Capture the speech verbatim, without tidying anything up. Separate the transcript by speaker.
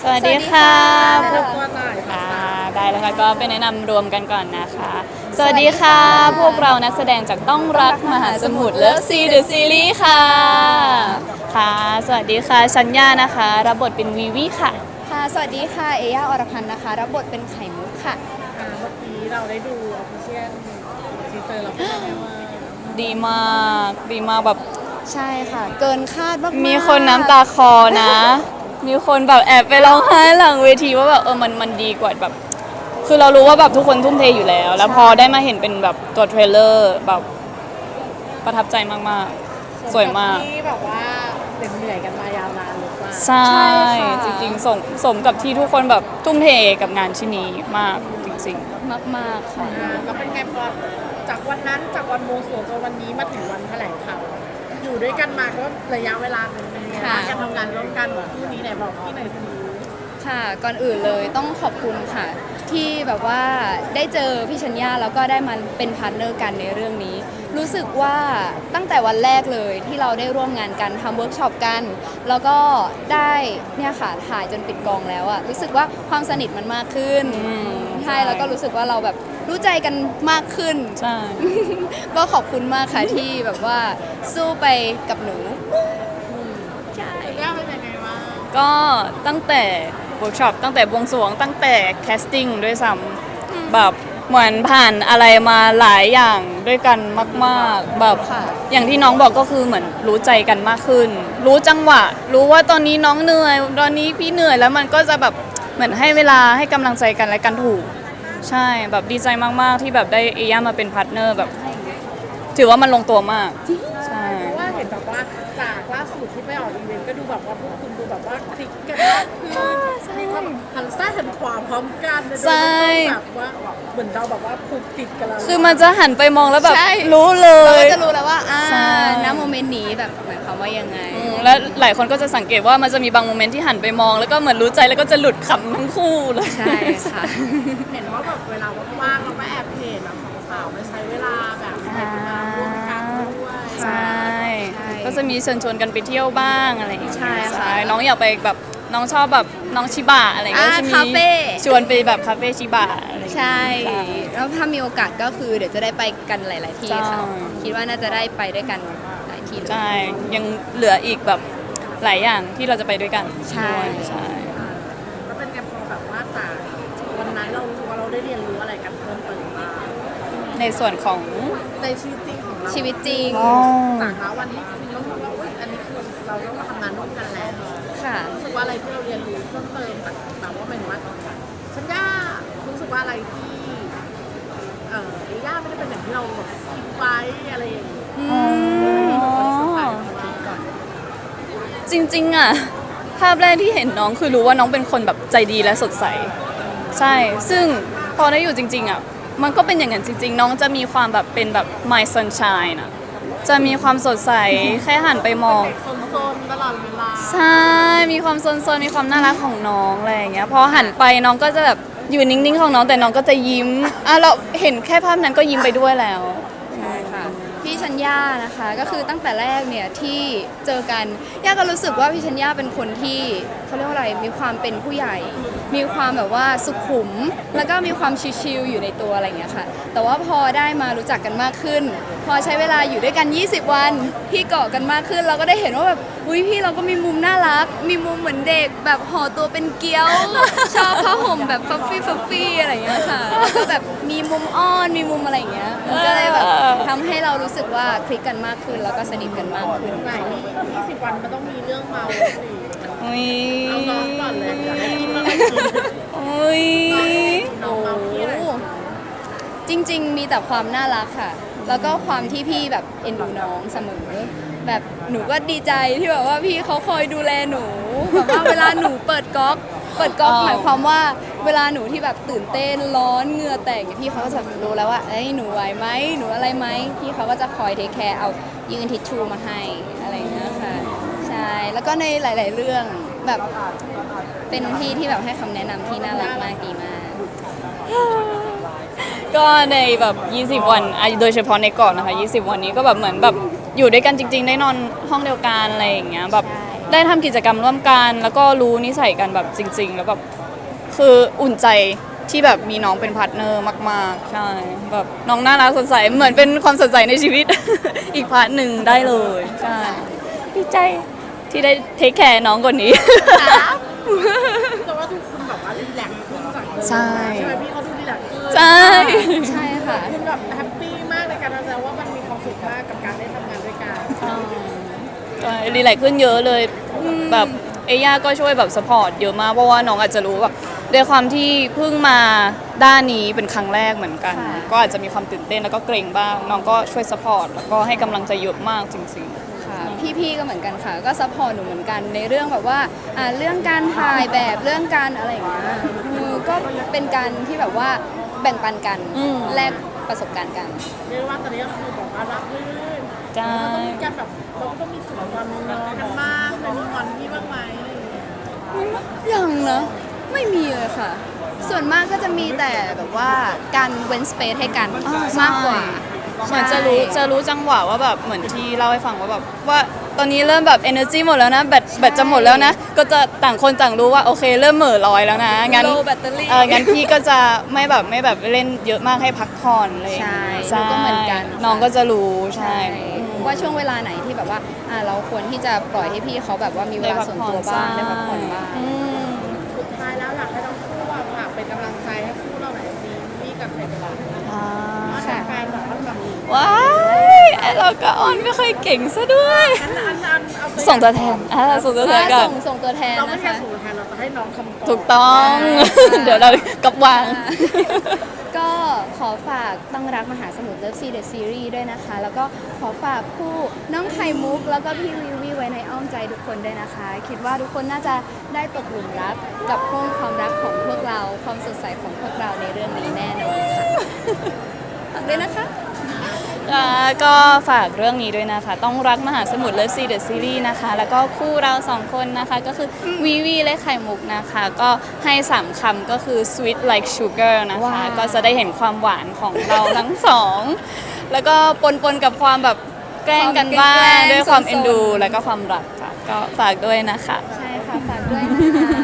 Speaker 1: วัสดีค่ะพวก
Speaker 2: ตัวหน่อย
Speaker 1: ค่ะได้แล้วค่ะก็ไปแนะนำรวมกันก่อนนะคะ สวัสดีค่ะ พวกเรานักแสดงจากต้องรักมหาสมุทรเลิฟซีเดอะซีรีส์ค่ะค่ะ สวัสดีค่ะชัญญานะคะรับบทเป็นวีวีค่ะ
Speaker 3: ค่ะสวัสดีค่ะเอย่าอรพันธ์นะคะรับบทเป็นไข่มุกค่ะ
Speaker 2: อ่าเมื่อกี้เราได้ดูออฟฟิเชียลทีเซอร์เราเป็นยังไงบ้าง
Speaker 1: ดีมากดีมากแบบ
Speaker 3: ใช่ค่ะ เกินคาดมากๆ
Speaker 1: มีคนน้ำตาคอนะ มีคนแบบแอบไปร้องไห้หลังเวทีว่าแบบเออมันมันดีกว่าแบบ คือเรารู้ว่าแบบทุกคนทุ่มเทอยู่แล้ว แล้วพอได้มาเห็นเป็นแบบตัวเทรลเลอร์แบบประทับใจมากๆ สวยมาก
Speaker 2: ที่แบบว่าเหนื่อยๆกันมายาวนานหรือเปล่า
Speaker 1: ใช่ จริงๆสมสมกับที่ทุกคนแบบทุ่มเทกับงานชิ้นนี้มากจริง
Speaker 3: มากๆค่ะ
Speaker 2: อ่าแล้วเป็นไงพอจากวันนั้นจากวันโมสวงจนวันนี้มาถึงวันแถลงข่าวอยู่ด้วยกันมาก็ระยะเวลาหนึ่งเป็นยังไงบ้าง
Speaker 3: ค่ะ
Speaker 2: การทำงานร่วมกันแบบคู่นี้ไหนบอกพี่หน่อยสิ
Speaker 3: ค่ะก่อนอื่นเลยต้องขอบคุณค่ะ ที่แบบว่าได้เจอพี่ชัญญาแล้วก็ได้มาเป็นพาร์ทเนอร์กันในเรื่องนี้ รู้สึกว่าตั้งแต่วันแรกเลยที่เราได้ร่วมงานกันทำเวิร์กช็อปกัน แล้วก็ได้เนี่ยค่ะถ่ายจนปิดกองแล้วอะรู้สึกว่าความสนิทมันมากขึ้น
Speaker 1: อืม
Speaker 3: ใช่แล้วก็รู้สึกว่าเราแบบรู้ใจกันมากขึ้น
Speaker 1: ๆ ใช่
Speaker 3: ก็ขอบคุณมากค่ะที่แบบว่าสู้ไปกับหนูใช่
Speaker 2: เรื่องเป็นยังไงบ้าง
Speaker 1: ก็ตั้งแต่เวิร์กช็อปตั้งแต่บวงสรวงตั้งแต่แคสติ้งด้วยซ้ำแบบเหมือนผ่านอะไรมาหลายอย่างด้วยกันมากๆแบบ
Speaker 3: ค่ะ
Speaker 1: อย่างที่น้องบอกก็คือเหมือนรู้ใจกันมากขึ้น รู้จังหวะ รู้ว่าตอนนี้น้องเหนื่อยตอนนี้พี่เหนื่อยแล้วมันก็จะแบบเหมือนให้เวลาให้กำลังใจกันและกันถูก ใช่แบบดีใจมากๆที่แบบได้เอย่ามาเป็นพาร์ทเนอร์แบบ ถือว่ามันลงตัวมากใช่
Speaker 2: เพราะว่าเห็นแบบว่าจากล่าสุดที่ไปออกอีเวนต์ก็ดูแบบว่าพวกคุณดูแบบว่าคลิกกันมากคือมีความหันซ้ายหันขวาพร้อมกันนะ
Speaker 1: ใช่
Speaker 2: แบบว่าเหมือนเราแบบว่าผูกติดกันแล้ว
Speaker 1: คือมันจะหันไปมองแล้วแบบ
Speaker 3: ใช่
Speaker 1: รู้เล
Speaker 3: เรา
Speaker 1: ย
Speaker 3: ก็จะรู้แล้วว่าอ่า
Speaker 1: ใช่
Speaker 3: ณโมเมนต์นี้แบบหมายความว่ายังไง
Speaker 1: อืมแล้วหลายคนก็จะสังเกตว่ามันจะมีบางโมเมนต์ที่หันไปมอง แล้วก็เหมือนรู้ใจแล้วก็จะหลุดขำทั้งคู่เลย
Speaker 3: ใช่ค่ะ
Speaker 2: เห็นว่าแบบเวลาว่างๆเราก็แอบเห็นแบบสาวๆไปใช้เวลาแบบเห็นมาร่วมกันด้วย
Speaker 1: ใช่
Speaker 3: ใช่
Speaker 1: ก็จะมีเชิญชวนกันไปเที่ยวบ้างอะไรอย่างเงี้ย
Speaker 3: ใช่ค่ะ
Speaker 1: น้องอยากไปแบบน้องชอบแบบน้องชิบะอะไรอย่างเงี้ย
Speaker 3: อ่า
Speaker 1: จะมี
Speaker 3: คาเฟ่
Speaker 1: ชวนไปแบบคาเฟ่ชิบะอะไรอย่างเงี้ย
Speaker 3: ใช่
Speaker 1: ใช่
Speaker 3: แล้วถ้ามีโอกาสก็คือเดี๋ยวจะได้ไปกันหลาย ๆ ที่ค่ะ
Speaker 1: ใช่
Speaker 3: คิดว่าน่าจะได้ไปด้วยกันหลายที่เลย
Speaker 1: ใช่ยังเหลืออีกแบบหลายอย่างที่เราจะไปด้วยกัน
Speaker 3: ใช่
Speaker 1: ด้วยใช่
Speaker 2: ก็เป็นไงพอแบบว่าจากวันนั้นเรารู้สึกว่าเราได้เรียนรู้อะไรกันเพิ่มเติมบ้าง
Speaker 1: ในส่วนของ
Speaker 2: ในชีวิตจริงของเรา
Speaker 3: ชีวิตจริง
Speaker 2: จากนะวันที่เรารู้ว่าอุ๊ยอันนี้คือเราต้องมาทำงานร่วมกันแล้ว
Speaker 3: ค่ะ
Speaker 2: รู้สึกว่าอะไรที่เราเรียนรู้เพิ่มเติมจากแบบว่าหมายถึงว่าฉันย่ารู้สึกว่าอะไรที่เออไอ้ย่าไม่ได้เป็นอย่างที่เราแบบคิดไว้อะไรอย่างเงี้ย
Speaker 1: อ๋อ
Speaker 2: ก่อน
Speaker 1: จริงๆอะภาพแรกที่เห็นน้องคือรู้ว่าน้องเป็นคนแบบใจดีและสดใส ใช่ ซึ่งพอได้อยู่จริงๆอะมันก็เป็นอย่างนั้นจริง ๆ น้องจะมีความแบบเป็นแบบ my sunshine อะจะมีความสดใส แค่หันไปมอง
Speaker 2: โซนๆตลอดเวลา
Speaker 1: ใช่ มีความโซนๆ มีความน่ารักของน้องอะไรอย่างเงี้ย พอหันไปน้องก็จะแบบอยู่นิ่งๆ ของน้องแต่น้องก็จะยิ้ม อ่ะเราเห็นแค่ภาพนั้นก็ยิ้มไปด้วยแล้ว
Speaker 3: ใช่ค่ะพี่ชัญญานะคะก็คือตั้งแต่แรกเนี่ยที่เจอกันย่าก็รู้สึกว่าพี่ชัญญาเป็นคนที่เขาเรียกว่าอะไรมีความเป็นผู้ใหญ่ มีความแบบว่าสุขุม แล้วก็มีความชิลๆอยู่ในตัวอะไรอย่างเงี้ยค่ะ แต่ว่าพอได้มารู้จักกันมากขึ้น พอใช้เวลาอยู่ด้วยกัน ยี่สิบ วันพี่เกาะกันมากขึ้น เราก็ได้เห็นว่าแบบอุ้ยพี่เราก็มีมุมน่ารัก มีมุมเหมือนเด็กแบบห่อตัวเป็นเกี๊ยว ชอบผ้าห่มแบบฟัฟฟี่ฟัฟฟี่อะไรอย่างเงี้ยค่ะแล้วก็แบบมีมุมอ้อนมีมุมอะไรอย่างเงี้ยมันก็เลยแบบทำให้เรารู้สึกว่าคลิกกันมากขึ้น แล้วก็สนิทกันมากขึ้น
Speaker 2: ไหนยี่สิบวันมันต้องมีเรื่องเมาสิ
Speaker 1: อุ้ย
Speaker 2: เอาน้องก่อนเลยอยากให้กินอะไรกิน
Speaker 1: อุ้ย
Speaker 2: น้องเมาที่อะไร
Speaker 3: จริง ๆ มีแต่ความน่ารักค่ะ แล้วก็ความที่พี่แบบเอ็นดูน้องเสมอ แบบหนูก็ดีใจที่แบบว่าพี่เขาคอยดูแลหนู แบบว่าเวลาหนูเปิดก๊อก เปิดก๊อกหมายความว่าเวลาหนูที่แบบตื่นเต้นร้อนเหงื่อแตกเนี่ยพี่เขาก็จะรู้แล้วว่าเอ้ยหนูไหวไหมหนูอะไรไหมพี่เขาก็จะคอยเทคแคร์เอายืนทิชชู่มาให้อะไรอย่างเงี้ยค่ะ ใช่ แล้วก็ในหลาย ๆ เรื่องแบบเป็นพี่ที่แบบให้คำแนะนำที่น่ารักมากดีมาก
Speaker 1: ก็ในแบบ ยี่สิบ วันอ่ะโดยเฉพาะในเกาะนะคะ ยี่สิบ วันนี้ก็แบบเหมือนแบบอยู่ด้วยกันจริง ๆ ได้นอนห้องเดียวกันอะไรอย่างเงี้ยแบบ
Speaker 3: ใช่
Speaker 1: ได้ทำกิจกรรมร่วมกันแล้วก็รู้นิสัยกันแบบจริง ๆ แล้วแบบคืออุ่นใจที่แบบมีน้องเป็นพาร์ทเนอร์มากๆใช่แบบน้องน่ารักสดใสเหมือนเป็นความสดใสในชีวิต อีกพาร์ทหนึ่งได้เลยใช่ดีใจที่ได้เทคแคร์น้องคนนี้
Speaker 2: แต่ว่าทุกคนแบบว่ารีแลกซ์ขึ้นจากเดิม
Speaker 1: ใช่
Speaker 2: ใช่ไหมพี่เขาดูรีแลกซ์ขึ้น
Speaker 1: ใช่
Speaker 3: ใช่ค่ะ
Speaker 2: คุณแบบแฮปปี้มากในการทำงานว่ามันมีความสุขมากกับการได้ทำงานด้วยกัน
Speaker 1: ใช่รีแลกซ์ขึ้นเยอะเลยแบบเอย่าก็ช่วยแบบสปอร์ตเยอะมากเพราะว่าน้องอาจจะรู้แบบด้วยความที่เพิ่งมาด้านนี้เป็นครั้งแรกเหมือนกัน
Speaker 3: ค่ะ
Speaker 1: ก็อาจจะมีความตื่นเต้นแล้วก็เกรงบ้างน้องก็ช่วยสปอร์ตแล้วก็ให้กำลังใจเยอะมากจริง
Speaker 3: ค่ะพี่ๆก็เหมือนกันค่ะ ก็ซัพพอร์ตหนูเหมือนกันในเรื่องแบบว่าอ่าเรื่องการถ่ายแบบเรื่องการอะไรอย่างเงี้ยเออก็เป็นการที่แบบว่าแบ่งปันกัน
Speaker 1: อืม
Speaker 3: แลกประสบการณ์กัน
Speaker 2: เรียกว่าตอนนี้ก็คือแบบว่ารับรื่น
Speaker 1: ๆใช่
Speaker 2: เราต้องมีการแบบเราก็ต้องมีจุดงอนงอนกันบ้างเคยมีงอนพี่บ้างไหมอะไรอย่างเงี้ย
Speaker 3: ยังนะไม่มีเลยค่ะ ส่วนมากก็จะมีแต่แบบว่าการเว้นสเปซให้กันมากกว่า
Speaker 1: เหมือนจะรู้จะรู้จังหวะว่าแบบเหมือนที่เล่าให้ฟังว่าแบบว่าตอนนี้เริ่มแบบ energy หมดแล้วนะแบตแบตจะหมดแล้วนะ ก็จะต่างคนต่างรู้ว่าโอเคเริ่มเหม่อลอยแล้วนะงั้น
Speaker 3: low battery
Speaker 1: เอองั้นพี่ก็จะไม่แบบไม่แบบเล่นเยอะมากให้พักผ่อนอะไรอย่าง
Speaker 3: ใช่
Speaker 1: เงี้ย
Speaker 3: หนูก็เหมือนกัน
Speaker 1: น้องก็จะรู้ใช่
Speaker 3: ว่าช่วงเวลาไหนที่แบบว่าอ่าเราควรที่จะปล่อยให้พี่เขาแบบว่ามีเวลาส่วนตัวบ้างได้พักผ่อนบ้าง
Speaker 1: อืม
Speaker 2: สุดท้ายแล้วอยากให้ทั้งคู่อะฝากเป็นกำลังใจให้คู่เราหน่อยสิพี่กับเฟรนด์เรา
Speaker 1: อ่า
Speaker 3: ค่ะ
Speaker 2: แฟนๆแบบว่าแบบ
Speaker 1: ว้ายไอ้เราก็ออนไม่ค่อยเก่งซะด้วย
Speaker 2: อันอันอันเอาไป
Speaker 1: ส่งตัวแทนอ่าส่งตัวแทน
Speaker 3: อ่า
Speaker 1: กั
Speaker 3: ส่
Speaker 1: น
Speaker 3: งส่งตัวแทน
Speaker 2: เราไม่
Speaker 3: นะ
Speaker 2: แค่
Speaker 3: คะ
Speaker 2: ส่งตัวแทนเราจะให้น้องคำตอบ
Speaker 1: ถูกต้อง เดี๋ยวเรากลับวาง
Speaker 3: ก็ขอฝากต้องรักมหาสมุทรเลิฟซีเดอะซีรีส์ด้วยนะคะ แล้วก็ขอฝากคู่น้องไข่มุก แล้วก็พี่วิววิไว้ในอ้อมใจทุกคนด้วยนะคะ คิดว่าทุกคนน่าจะได้ตกหลุมรักกับห้องความรักของพวกเรา ความสดใสของพวกเราในเรื่องนี้แน่นอนค่ะฝากด้วยนะคะ
Speaker 1: อ่าก็ฝากเรื่องนี้ด้วยนะคะ ต้องรักมหาสมุทรเลิฟซีเดอะซีรีส์นะคะ แล้วก็คู่เราสองคนนะคะ ก็คือวีวีและไข่มุกนะคะ ก็ให้สามคำก็คือ sweet like sugar นะคะ
Speaker 3: ว้าว
Speaker 1: ก็จะได้เห็นความหวานของเราทั้งสอง แล้วก็ปนปนๆกับความแบบแกล้งกันบ้างด้วยความเอ็นดู แล้วก็ความรักค่ะ ก็ฝากด้วยนะคะ
Speaker 3: ใช่ค่ะ ฝากด้วยนะคะ